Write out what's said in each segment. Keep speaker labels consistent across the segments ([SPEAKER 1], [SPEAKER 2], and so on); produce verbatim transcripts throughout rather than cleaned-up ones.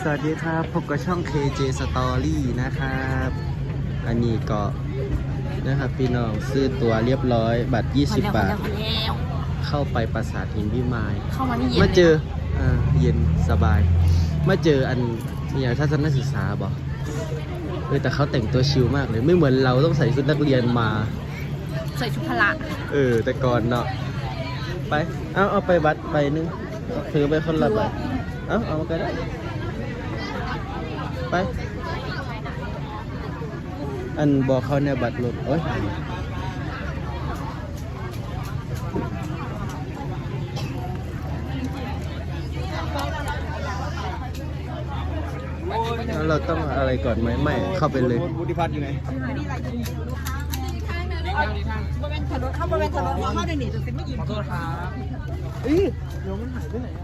[SPEAKER 1] สวัสดีครับพบกับช่อง เค เจ Story นะครับอันนี้ก็นะครับพี่น้องซื้อตั๋วเรียบร้อยบัตรยี่สิบบาทเข้าไปปราสาทหินพิมายเข้ามานี่เย็นมาเจออ่าเย็นสบายมาเจออันนี่ทัศนศึกษาบอกเออแต่เขาแต่งตัวชิลมากเลยไม่เหมือนเราต้องใส่ชุดนักเรียนมา
[SPEAKER 2] ใส่ชุดพละ
[SPEAKER 1] เออแต่ก่อนเนาะไปเอาเอาไปบัตรไปนึงถือไปคนละใบเอาเอามาก็ได้ไปอันบอกเขาในบัตรรถโอ้ยแล้วเราต้องอะไรก่อนไหมไม่เข้าไปเลยบุธิพัฒน์อยู่ไหน
[SPEAKER 2] บริเวณถนนเข้าบริเวณถนนเข้าในนี่จะเป็นไม่ยินขอโทษครับ
[SPEAKER 1] เอ้ยเดี๋ยวมันหายไปไหนอ่ะ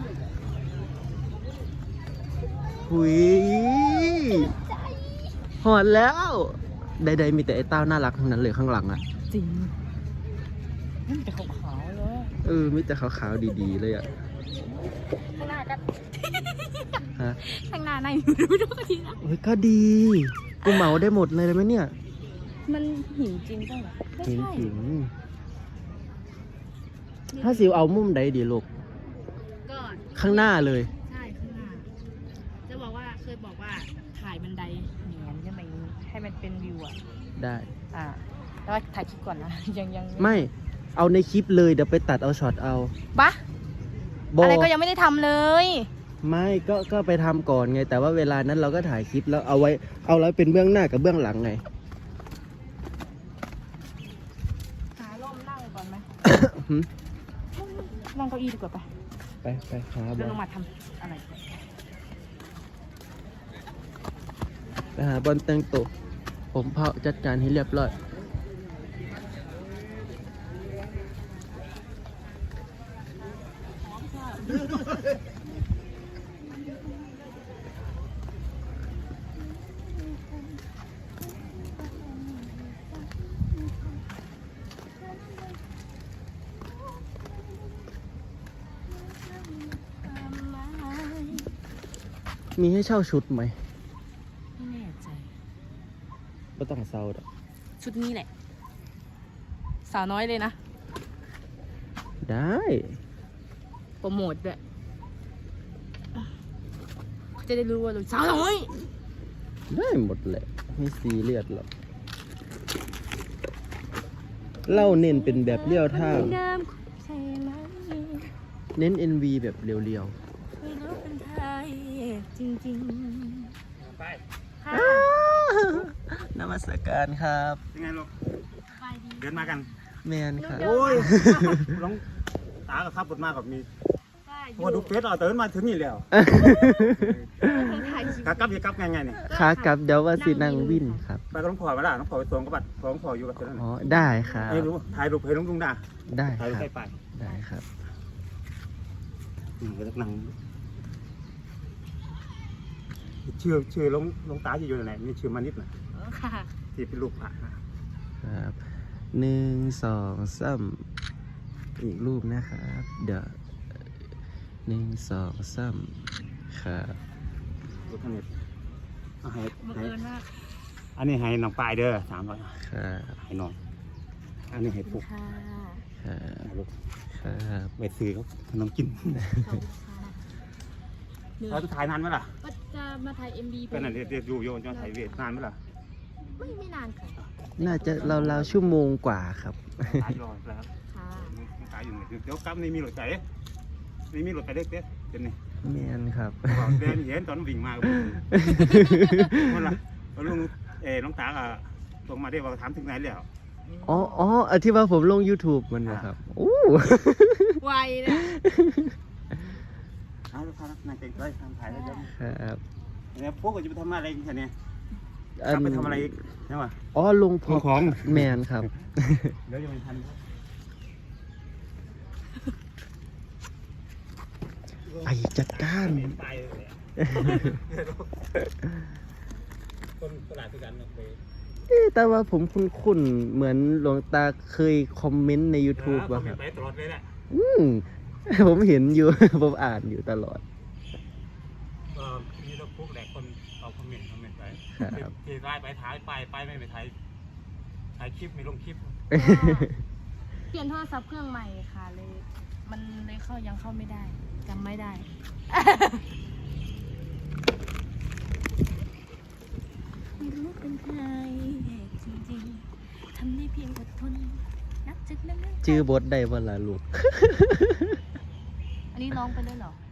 [SPEAKER 1] หุยหอดแล้วใดๆมีแต่ไอ้เต้าน่ารักทั้งนั้นเลยข้างหลังอ่ะ
[SPEAKER 2] จริงมันแต่ขาวๆเลย
[SPEAKER 1] เออมีแต่ขาวๆดีๆเลยอ่ะ
[SPEAKER 2] ข้างหน้าก็
[SPEAKER 1] ฮะ
[SPEAKER 2] ข้างหน้าในดูดูก็ดีนะ
[SPEAKER 1] เฮ้ยก็ดีกูเหมาได้หมดเลยไหมเนี่ย
[SPEAKER 2] มันหินจริงป่ะ
[SPEAKER 1] หินจริงถ้าสิวเอามุมใดดีลูก
[SPEAKER 2] ก็
[SPEAKER 1] ข้างหน้าเลย
[SPEAKER 2] ใช่ข้างหน้าจะบอกว่าเคยบอกว่าถ่ายบันไดเหนียนใช่ไหมให้มันเป็นวิวอ่ะ
[SPEAKER 1] ได้
[SPEAKER 2] อ่าแล้วถ่ายคลิปก่อนนะยังยัง
[SPEAKER 1] ไม่เอาในคลิปเลยเดี๋ยวไปตัดเอาช็อตเอา
[SPEAKER 2] บะอะไรก็ยังไม่ได้ทำเลย
[SPEAKER 1] ไม่ก็ก็ไปทำก่อนไงแต่ว่าเวลานั้นเราก็ถ่ายคลิปแล้วเอาไว้เอาไว้เป็นเบื้องหน้ากับเบื้องหลังไง
[SPEAKER 2] หาร่มนั่งก่อนไหมนั่งเก้าอี้ดีกว่าไป
[SPEAKER 1] ไปไปหาบอล
[SPEAKER 2] ลงมาทำอะไร
[SPEAKER 1] ไปหาบอลแต่งตัวผมเผาจัดการให้เรียบร้อยมีให้เช่าชุดไหม
[SPEAKER 2] ไม่แน่ใจ
[SPEAKER 1] ไม่ต้องเซาดอก
[SPEAKER 2] ชุดนี้แหละสาวน้อยเลยนะ
[SPEAKER 1] ได้
[SPEAKER 2] โปรโมทด้วยจะได้รู้ว่าเราสาวน้อย
[SPEAKER 1] ได้หมดแหละไม่ซีเรียสหรอกเล่าเน้นเป็นแบบเลี้ยวทางเน้น เอ็น วี แบบเรียวๆ
[SPEAKER 2] จริงๆไป
[SPEAKER 1] นมัสการครับ
[SPEAKER 3] ยังไงลูกเดินมากัน
[SPEAKER 1] แมนครับ
[SPEAKER 3] โอ้ยร้องตากับข้าบดมากกับมีพอดูเฟซเราเตินมาถึงนี่แล้วขากลับยังกลับไงไงเนี่ย
[SPEAKER 1] ขากลับเดี๋ยวว่าสินั่งวินครับ
[SPEAKER 3] ไปกับน้องพลอยมาละน้องพลอยไปตรงกับบัตรน้องพลอยอยู่กับเจ้าหน้าที่
[SPEAKER 1] อ๋อได้ครับ
[SPEAKER 3] ให้รู้ถ่ายรูปให้น้องลุงด่า
[SPEAKER 1] ได้
[SPEAKER 3] ถ่ายรูปไปไป
[SPEAKER 1] ได้ครับ
[SPEAKER 3] อืมก็จะนั่งชื่อชื่อลงลงตาอยู่ไหนมีชื่อมานิดหน่อยที่เป็นรูปพระ
[SPEAKER 1] ครับหนึ่งสองสามอีกรูปนะครับเดี๋ยวหนึ่งสองสามครับ
[SPEAKER 3] รูปท่านนี้ให้ให้อันนี้ให้น้องปลายเด้อสามร้อย
[SPEAKER 1] ครับ
[SPEAKER 3] ให้น้องอันนี้ให้ปุ๊ก
[SPEAKER 1] ครับลูกครับ
[SPEAKER 3] ไปซื้อเขาขนมกินเราจะถ่ายนานไหมล่ะ
[SPEAKER 2] ก็จะมาถ่าย เอ็ม บี
[SPEAKER 3] เป็นอะไรเดี๋ยวอยู่โยนจะถ่ายเวทนานไหมล่ะ
[SPEAKER 2] ไม่ไม่นานค่ะ
[SPEAKER 1] น่าจะเราๆชั่วโมงกว่าครับ
[SPEAKER 3] ถ่ายรอแล้วค่ะถ่ายอยู่ไหนเดี๋ยวกลับนี่มีรถไฟนี่มีรถไฟเล็กเด็ดเดี๋ยวนี้
[SPEAKER 1] แมนครับ
[SPEAKER 3] เดินเห็นตอนวิ่งมาคนละลุงเอ๋น้องตาอ่ะตรงมาได้ว่าถามถึงไหนแล้ว
[SPEAKER 1] อ๋ออ๋อที่ว่าผมลง YouTube มันนะครับโอ้
[SPEAKER 2] ไวเลย
[SPEAKER 3] เอาลูกค้านายเก่งเลยทำถ่ายได้เยอะ
[SPEAKER 1] ครับ
[SPEAKER 3] เนี่ยพวกก็จะไปทำอะไรกันเนี่ยจะไปทำอะไรอีกใช่ไหม
[SPEAKER 1] อ๋อลง
[SPEAKER 3] ของ
[SPEAKER 1] แมนครับ
[SPEAKER 3] เดี๋ยวยังไม่ทัน
[SPEAKER 1] ไปจัดการ
[SPEAKER 3] คนตลาดคือกันนะ
[SPEAKER 1] แต่ว่าผมคุ้นๆเหมือนหลวงตาเคยคอมเมนต์ใน YouTube ว่าครับ
[SPEAKER 3] ไปตลอดเลยแหละ
[SPEAKER 1] อืมผมเห็นอยู่ผมอ่านอยู่ตลอด
[SPEAKER 3] เมีรถพวกแหลกคนเอาคอมเมนต์คอมเมนต์ไป
[SPEAKER 1] ครับ
[SPEAKER 3] ที่ไล่ไปถ่ายไปไปไม่ไปถ่ายถ่ายคลิปไม่ลงคลิป
[SPEAKER 2] เปลี่ยนโทรศัพท์เครื่องใหม่ค่ะเลย มันเลยเข้ายังเข้าไม่ได้จำไม่ได้ ไม่รู้เป็นใครจริงๆทำได้เพียงอดทนนับจากนั้น
[SPEAKER 1] ชื่อบทได้บ่ล่ะลูก
[SPEAKER 2] อันนี้ร้องไปเลยเหรอ